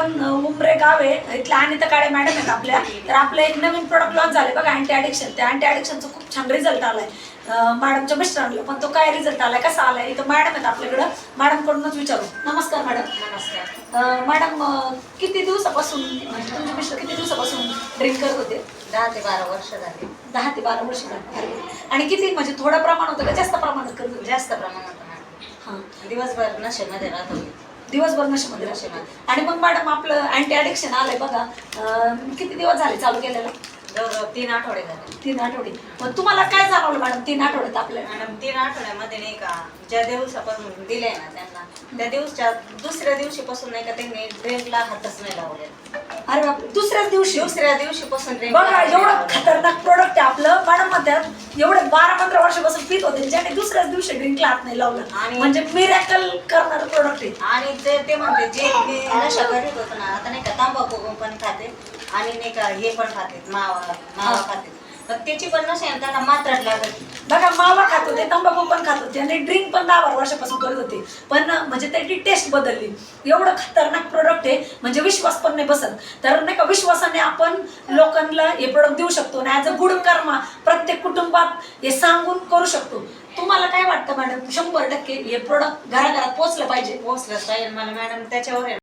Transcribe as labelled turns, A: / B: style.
A: आपण उमरे गाव आहे इथल्या अनिता काळे मॅडम आहेत आपल्या. तर आपलं एक नवीन प्रोडक्ट लॉन्च झाले बघा अँटी ॲडिक्शन. त्या अँटी ॲडिक्शनचा खूप छान रिझल्ट आलाय मॅडमच्या मिस्टरांना. पण तो काय रिझल्ट आलाय कसा आलाय इथं मॅडम आहेत आपल्याकडं. मॅडमकडूनच विचारू. नमस्कार मॅडम.
B: नमस्कार
A: मॅडम किती दिवसापासून म्हणजे तुमचे मिस्टर किती दिवसापासून ड्रिंक करत होते?
B: 10 ते 12 वर्ष झाली.
A: 10 ते 12 वर्ष झाली. आणि किती म्हणजे थोडं प्रमाण होतं का जास्त प्रमाणात करत होते?
B: जास्त प्रमाणात
A: हां,
B: दिवसभर नशेमध्ये राहत होती.
A: दिवसभर नशेमध्ये राहते. आणि मग मॅडम आपलं अँटी ॲडिक्शन आलंय बघा किती दिवस झाले चालू केलेलं?
B: जवळ 3 आठवडे झाले.
A: 3 आठवडे. मग तुम्हाला काय जाणवलं मॅडम 3 आठवड्यात आपल्याला?
B: मॅडम 3 आठवड्यामध्ये नाही का ज्या दिवसापासून दिले ना त्यांना त्या दिवसच्या दुसऱ्या दिवशीपासून नाही का त्यांनी ड्रिंकला हातच नाही लावले.
A: अरे बाप, दुसऱ्याच
B: दिवशीपासून ड्रिंक
A: बघा एवढं खतरनाक प्रोडक्ट आहे आपलं. मॅडम म्हणतात एवढे 12-15 वर्षापासून पित होते ज्याने दुसऱ्याच दिवशी ड्रिंकला हात नाही लावलं.
B: आणि
A: म्हणजे मिरॅकल करणारं प्रोडक्ट आहे.
B: आणि ते म्हणते जे मी नशा करीत होतो ना आता नाही का तंबाखू पण खाते आणि नाही का हे पण खाते मावा खाते. पण त्याची पण नशा आहे त्यांना मात्रात लागत.
A: बघा मावा खात होते, तंबाखू पण खात होते आणि ड्रिंक पण 10-12 वर्षापासून करत होते. पण म्हणजे त्याची टेस्ट बदलली. एवढं खतरनाक प्रोडक्ट आहे म्हणजे विश्वास पण नाही बसत. तर नाही का विश्वासाने आपण लोकांना हे प्रोडक्ट देऊ शकतो आणि ॲज अ गुड कर्मा प्रत्येक कुटुंबात हे सांगून करू शकतो. तुम्हाला काय वाटतं मॅडम? 100% हे प्रोडक्ट घराघरात पोहोचलं पाहिजे.
B: पोहोचलंच पाहिजे मला मॅडम. त्याच्यावर